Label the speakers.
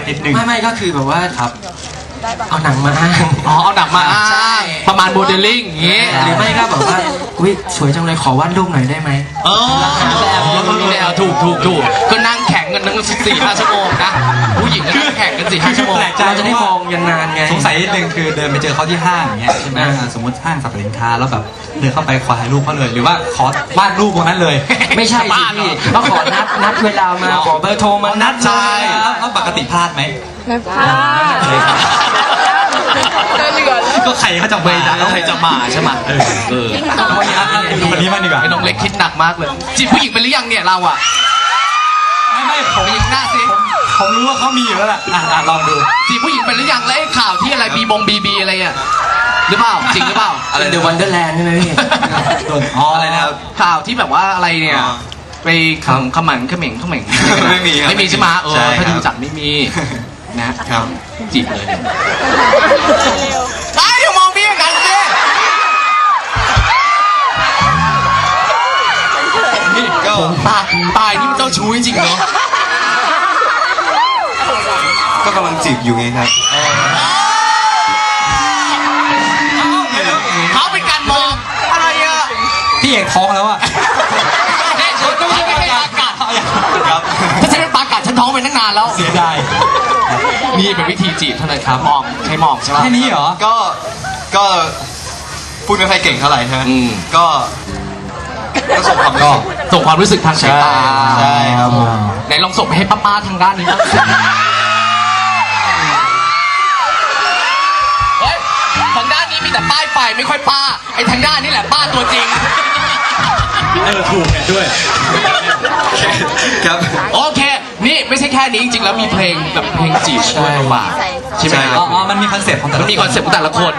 Speaker 1: นิดนึง
Speaker 2: ไม่ก็คือแบบว่า
Speaker 1: ครับ
Speaker 2: เอาหนังมาอ้าง
Speaker 3: อ๋อเอาหนักมาอ้างประมาณโมเดลลิ่งอย่างงี้
Speaker 2: หรือไม่ก็แบบว่าอุ้ยสวยจังเลยขอวาดรูปหน่อยได้ไหม
Speaker 3: เออมีแนวถูกก็นั่งแข่งกันตั้ง4-5 ชั่วโมงนะผู้หญิงก็นั่งแข่งกัน4-5 ชั่วโมง
Speaker 1: แปลกใจ
Speaker 2: เราจะได้มองยันนานไง
Speaker 1: สงสัยนิดนึงคือเดินไปเจอเขาที่ห้างอย่างเงี้ยใช่ไหมสมมติห้างสรรพสินค้าแล้วแบบเดินเข้าไปขอถ่ายรูปเขาเลย หรือว่าขอวาดรูปตรงนั้นเลย
Speaker 2: ไม่ใช่สิพี่ก็ขอนัดเวลามาขอเบอร์โทรมานัด
Speaker 1: ใช่
Speaker 2: เลย
Speaker 1: แล้วปกติพลาดไหม
Speaker 4: ไม่พลาด
Speaker 1: ก็ใครเขาจะ
Speaker 3: ไม่
Speaker 1: มา
Speaker 3: ได้แล้วใครจะมาใช่ไหมเออ
Speaker 1: วันนี้ดูคนนี้มางดีกว่า
Speaker 3: ไอ้น้องเล็กคิดหนักมากเลยจีบผู้หญิงเป็นหรือยังเนี่ยเราอ่ะ
Speaker 1: ไม่ผม
Speaker 3: ไปยิงหน้าสิ
Speaker 1: ผมรู้ว่าเขามีอยู่แล้วล่ะลองดู
Speaker 3: จีบผู้หญิงเป็นหรือยังแล้วไอ้ข่าวที่อะไรบีอะไรอ่ะหรือเปล่าจริงหรือเปล่า
Speaker 2: อะไรเดอะวันเดอร์แลนด์ใช่ไหมพี่
Speaker 1: อะไรนะครับ
Speaker 3: ข่าวที่แบบว่าอะไรเนี่ย
Speaker 1: อ๋อ
Speaker 3: ไปขมังเขม่ง
Speaker 1: ไม่มีครับ
Speaker 3: ไม่มีใช่ไหม
Speaker 1: ใช่
Speaker 3: ถ้า
Speaker 1: ครับ
Speaker 3: ดูจักไม่มีนะครับ จีบเลยไอ้อย่ามองพี่อย่างนั้นสินี่
Speaker 1: ก็
Speaker 3: ตายนี่มันเจ้าชู้จริงๆเนาะ
Speaker 1: ก็กำลังจีบอยู่ไงครับ
Speaker 3: เขาเป็นการมองอะไรอ่ะ
Speaker 1: พี่เอกท้องแล้วอ่ะ
Speaker 3: เนี่ยฉันก็ไม่ได้ปากัด
Speaker 1: ครับ
Speaker 3: ถ้าฉันเป็นปากัดฉันท้องไปตั้งนานแล้ว
Speaker 1: เสียดาย
Speaker 3: นี่เป็นวิธีจีบเท่านั้นครับมองใช้มองใช่ไหม
Speaker 1: แค่นี้เหรอ
Speaker 5: ก็พูดไม่ค่อยเก่งเท่าไหร่ใช่ไหม
Speaker 3: อืม
Speaker 5: ก็ส่งความรู้สึก
Speaker 3: ส่งความรู้สึกทางสายตา
Speaker 5: ใช่ครับผม
Speaker 3: ไหนลองส่งไปให้ป้าๆทางด้านนี้บ้างเฮ้ยทางด้านนี้มีแต่ป้ายไฟไม่ค่อยป้าไอ้ทางด้านนี้แหละป้าตัวจริง
Speaker 1: ถูกเห็นด้วย
Speaker 5: ครับ
Speaker 3: โอเค นี่ไม่ใช่แค่นี้จริงๆแล้วมีเพลงแบบเพลงจีบด้วยมาใช่ไหม
Speaker 5: ใช่ครับ
Speaker 1: อ๋อ มันมีคอนเซ็ปต์ของแต่
Speaker 3: มั
Speaker 1: ละ
Speaker 3: นมีคอนเซ็ปต์ของแต่ละคน